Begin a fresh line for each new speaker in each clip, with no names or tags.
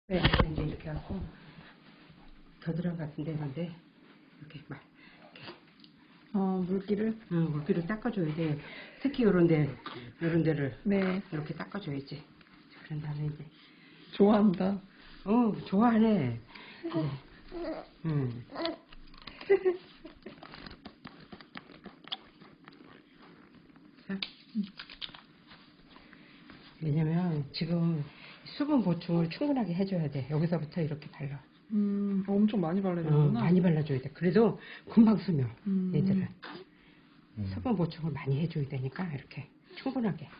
네. 이제 이렇게 하고 겨드랑 같은 데는데 이렇게 막
물기를?
응, 물기를 닦아줘야 돼. 특히 요런 데를
네.
이렇게 닦아줘야지. 그런 다음에 이제
좋아한다.
좋아하네. 이제, 자. 왜냐면 지금 수분 보충을 충분하게 해줘야 돼. 여기서부터 이렇게 발라.
엄청 많이 발라야 되는구나.
많이 발라줘야 돼. 그래도 금방 스며. 얘들은
음.
수분 보충을 많이 해줘야 되니까 이렇게 충분하게.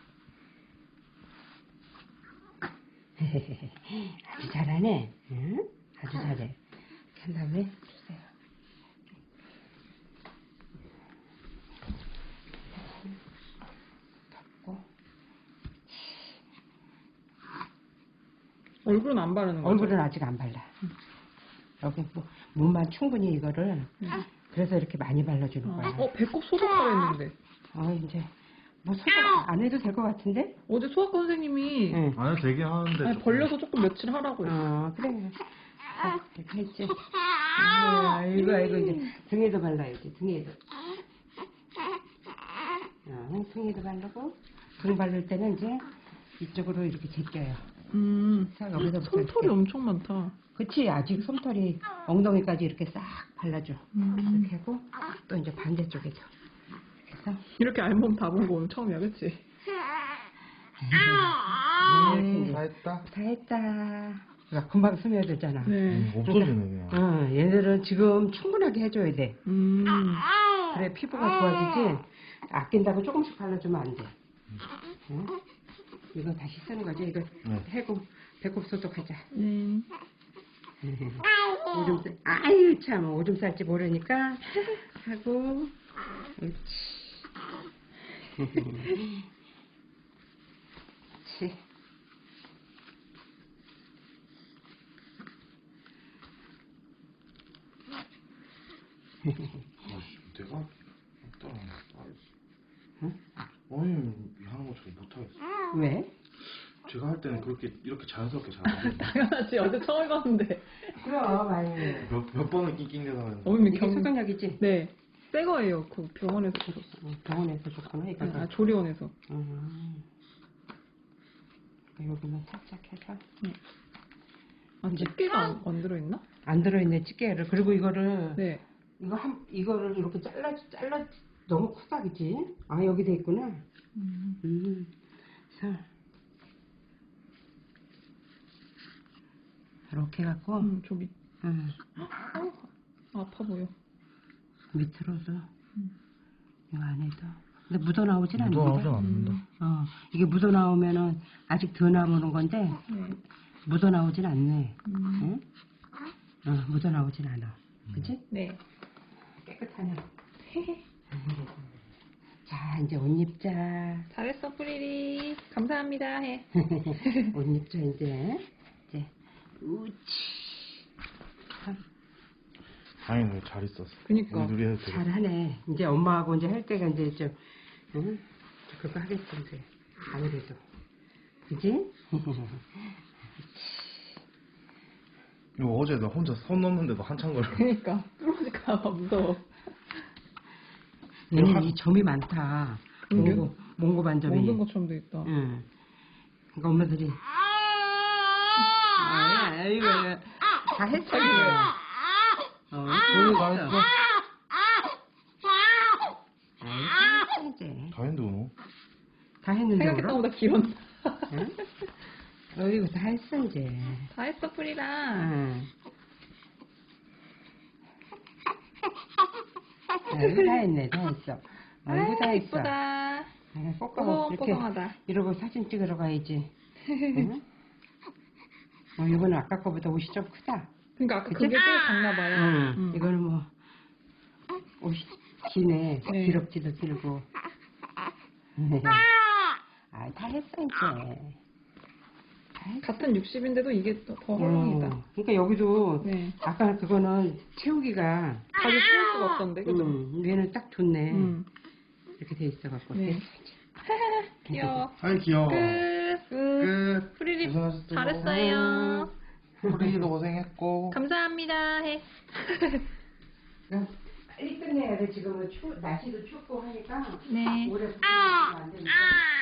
아주 잘하네. 응? 아주 잘해. 이렇게 한 다음에 주세요. 덮고.
얼굴은 안 바르는 거죠?
얼굴은 아직 안 발라. 여기 뭐 몸만 충분히 이거를 그래서 이렇게 많이 발라주는 거야.
배꼽 소독하라 했는데.
이제 뭐 소독 안 해도 될 것 같은데?
어제 소아과 선생님이
응.
아니 되게 하는데
아니,
조금.
벌려서 조금 며칠 하라고 했어.
그래. 이렇게 했지. 아이고 이제 등에도 발라야지. 등에도. 등에도 바르고 등 바를 때는 이제 이쪽으로 이렇게 제껴요. 자, 여기서부터
솜털이
이렇게.
엄청 많다.
그치, 아직 솜털이 엉덩이까지 이렇게 싹 발라줘. 이렇게 하고 또 이제 반대쪽에도 그래서
이렇게 알몸 다 본 거 오늘 처음이야, 그치?
다 했다.
다 했다. 그러니까 금방 스며들잖아.
네.
없어지네 그냥.
얘들은 지금 충분하게 해줘야 돼. 그래 피부가 좋아지지. 아낀다고 조금씩 발라주면 안 돼. 응? 이거 다시 쓰는 거지. 이거 해고 배꼽 소독하자. 오줌 아유 참 오줌 쌀지 모르니까 하고 그렇지. 그렇지.
내가 없더라.
응?
아니 하는 거 잘 못하겠어.
왜?
제가 할 때는 그렇게 이렇게 자연스럽게 잘 안 돼.
당연하지, 어제 처음 해봤는데.
그럼 많이.
몇 번을 낑낑대다 하는데.
어머니
이게 소독약이지?
네. 새 거예요. 그 병원에서 줬어.
병원에서 줬구나 이거.
조리원에서.
여기만 살짝 해서.
집게가 안 들어있나?
안 들어있네 집게를. 그리고 이거를
네.
이거를 이렇게 잘라 너무 크다 그지? 여기 돼 있구나. 자 이렇게 갖고
아파 보여.
밑으로도 이 안에도. 근데 묻어 나오진 않는데.
묻어나오진 않는다.
이게 묻어 나오면은 아직 더 남은 건데 묻어 나오진 않네. 응? 묻어 나오진 않아. 그치?
네.
깨끗하네. 자 이제 옷 입자.
잘했어, 뿌리리. 감사합니다. 해.
옷 입자 이제 우치.
다행히 잘 있었어.
그니까.
우리 해도 되겠어.
잘하네. 이제 엄마하고 이제 할 때가 이제 좀 그거 하겠지 이제 아무래도 그지?
이거 어제 나 혼자 손 넣는데도 한참 걸려.
그니까. 부러질까봐 무서워.
얘는 이 점이 많다. 몽고 반점이.
먹는 것처럼 돼 있다.
응. 그러니까 엄마들이 아이고 다 했어 그래.
다 했어.
이제
다 했는데 너.
다 했는데
생각했던
울어?
것보다 길었나?
응? 이거 다 했어 이제.
다 했어, 뿌리라.
아이고 다 했네 다 했어. 아이고 다 했어.
이쁘다.
뽀뽀 이렇게
뽀송하다.
이러고 사진 찍으러 가야지. 응? 이거는 아까 거보다 옷이 좀 크다.
그러니까 아까
그치?
그게 제일 작나 봐요.
이거는 뭐 옷이 기네.
네.
기럭지도 길고. 다 했어 이제.
같은 60인데도 이게 더 헐렁이다.
그러니까 여기도
네.
아까 그거는 채우기가
다시 채울 수가 없던데, 그죠?
얘는 딱 좋네.
음.
이렇게 돼 있어갖고.
네. 귀여워.
아이 귀여워.
끝.
끝.
프리리
고생하셨어요.
잘했어요.
프리도 고생했고.
감사합니다 해.
그럼 빨리 끝내야 돼. 지금은 날씨도 춥고 하니까
네.
오래 붙이면 안 되니까.